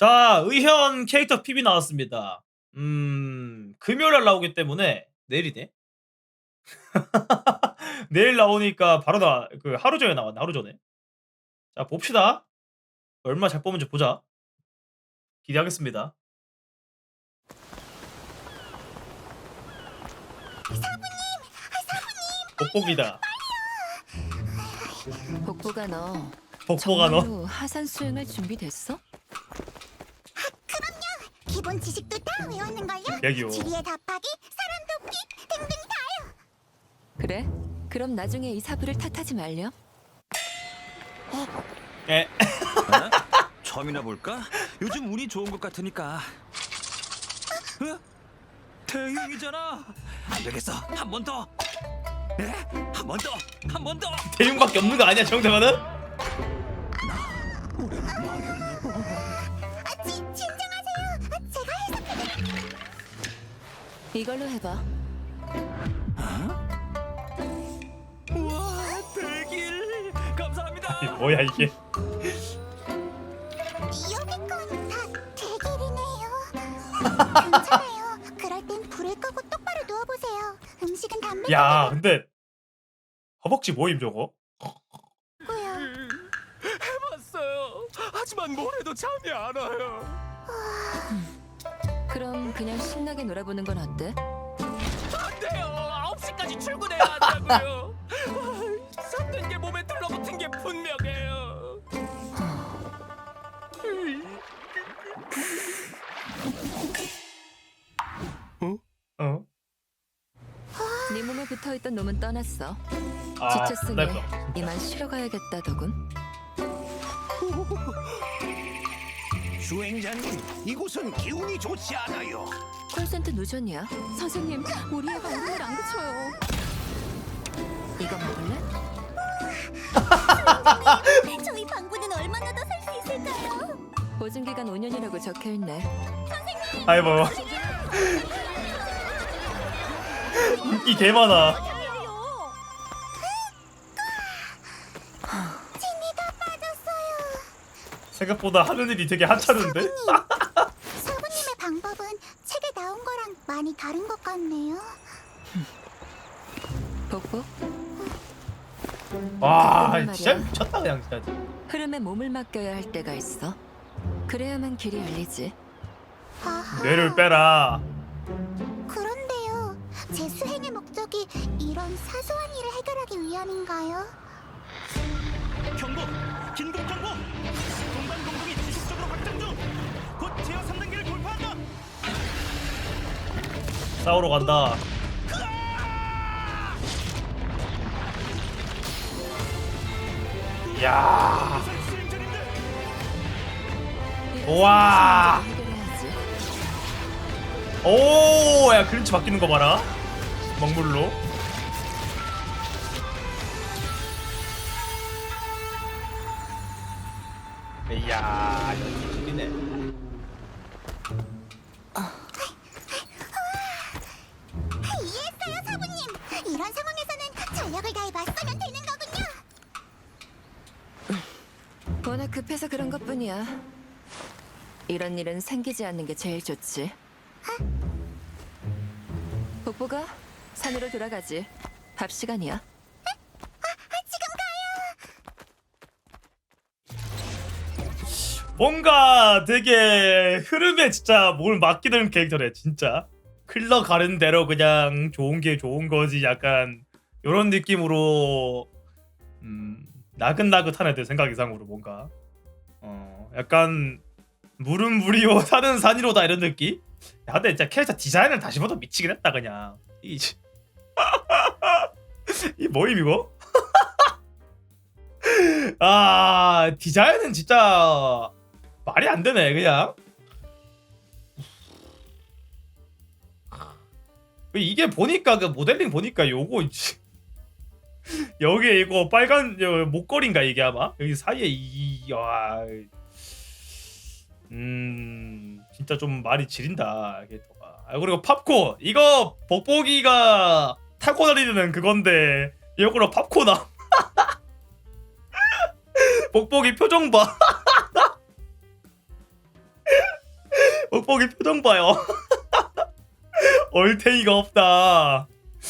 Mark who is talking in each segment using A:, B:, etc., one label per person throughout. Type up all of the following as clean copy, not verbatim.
A: 자, 의현 캐릭터 PB 나왔습니다. 금요일날 나오기 때문에 내일이네. 내일 나오니까 바로 하루 전에 나왔네. 하루 전에. 자, 봅시다. 얼마 잘 뽑은지 보자. 기대하겠습니다. 복복이다.
B: 복보가 너
A: 복보가 너.
B: 정말로 하산 수행할 준비 됐어?
C: 기본 지식도 다 외웠는걸요?
A: 여기요.
C: 지리에 답하기, 사람 돕기 등등 다요.
B: 그래? 그럼 나중에 이 사부를 탓하지 말렴.
A: 에.
D: 처음이나 볼까? 요즘 운이 좋은 것 같으니까. 어? 대흉이잖아. 안 되겠어. 한 번 더. 네? 한 번 더. 한 번 더.
A: 대용밖에 없는 거 아니야, 정대만은?
C: 진정하세요. 제가 해석해.
B: 이걸로 해봐.
D: 우와, 대길. 감사합니다.
A: 이게 뭐야 이게?
C: 여기 건 다 대길이네요. 괜찮아요. 그럴 땐 불을 끄고 똑바로 누워보세요. 음식은 담배
A: 야, 근데 허벅지 모임 저거?
C: 고요.
D: 해봤어요. 하지만 뭘 해도 잠이 안 와요.
B: 그럼 그냥 신나게 놀아보는 건 어때?
D: 안 돼요. 9시까지 출근해야 한다고요. 섰는 게 몸에 들러붙은 게 분명해요.
A: 어?
B: 네 몸에 붙어있던 놈은 떠났어.
A: 아,
B: 지쳤으니
A: 나 이거.
B: 이만 쉬러 가야겠다더군.
E: 주행자님, 이곳은 기운이 좋지 않아요.
B: 콜센터 누전이야. 선생님, 우리 애가 얼음을 안 그쳐요. 이거 먹을래?
C: 저희 방구는 얼마나 더 살 수 있을까요?
B: 보증기간 5년이라고 적혀있네.
A: 아이고. 인기 개 많아.
C: 진이가 빠졌어요.
A: 생각보다 하는 일이 되게 한찮은데?
C: 사부님의 방법은 책에 나온 거랑 많이 다른 것 같네요.
B: 복복,
A: 와,
B: 말이야.
A: 진짜 미쳤다 그냥 진짜.
B: 흐름에 몸을 맡겨야 할 때가 있어. 그래야만 길이 열리지.
C: 아하.
A: 뇌를 빼라.
C: 그런데요, 제 수행의 목적이 이런 사소한 일을 해결하기 위함인가요?
E: 경고! 긴급 경고! 동반 공동이 지속적으로 확장 중! 곧 제어 3단계를 돌파한다!
A: 싸우러 간다. 야,
E: 수행자님들!
A: 우와.
B: 해결해야지.
A: 오, 야 클린치 바뀌는 거 봐라. 먹물로. 이야, 이거 재밌네.
C: 이해했어요, 사부님. 이런 상황에서는 전력을 다해 맞서면 되는 거군요.
B: 워낙 급해서 그런 것뿐이야. 이런 일은 생기지 않는 게 제일 좋지. 복보가 산으로 돌아가지. 밥 시간이야.
A: 뭔가 되게 흐름에 진짜 뭘 맡기는 캐릭터래 진짜. 흘러가는 대로 그냥 좋은 게 좋은 거지 약간 요런 느낌으로 나긋나긋한 애들 생각 이상으로 뭔가 약간 물은 물이요 산은 산이로다 이런 느낌? 야 근데 진짜 캐릭터 디자인을 다시 봐도 미치긴 했다 그냥 이 뭐임 이거? 아 디자인은 진짜 말이 안 되네 그냥. 이게 보니까 그 모델링 보니까 요거 여기 이거 빨간 목걸이인가 이게 아마 여기 사이에 진짜 좀 말이 지린다 캐릭터가. 아, 그리고 팝콘 이거 복복이가 타고 다니는 그건데 이거로 팝콘아. 복복이 표정 봐. 뻑뻑이 표정 봐요. 얼탱이가 없다.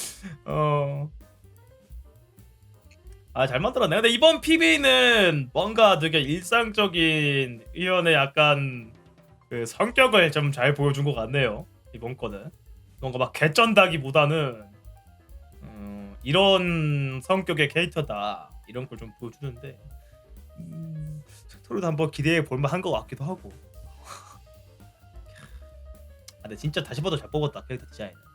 A: 잘 만들었네. 근데 이번 PB는 뭔가 되게 일상적인 의원의 약간 그 성격을 좀 잘 보여준 것 같네요. 이번 거는 뭔가 막 개쩐다기보다는 이런 성격의 캐릭터다 이런 걸 좀 보여주는데 스토리도 한번 기대해 볼만한 것 같기도 하고. 근데 진짜 다시 봐도 잘 뽑았다 캐릭터 디자인.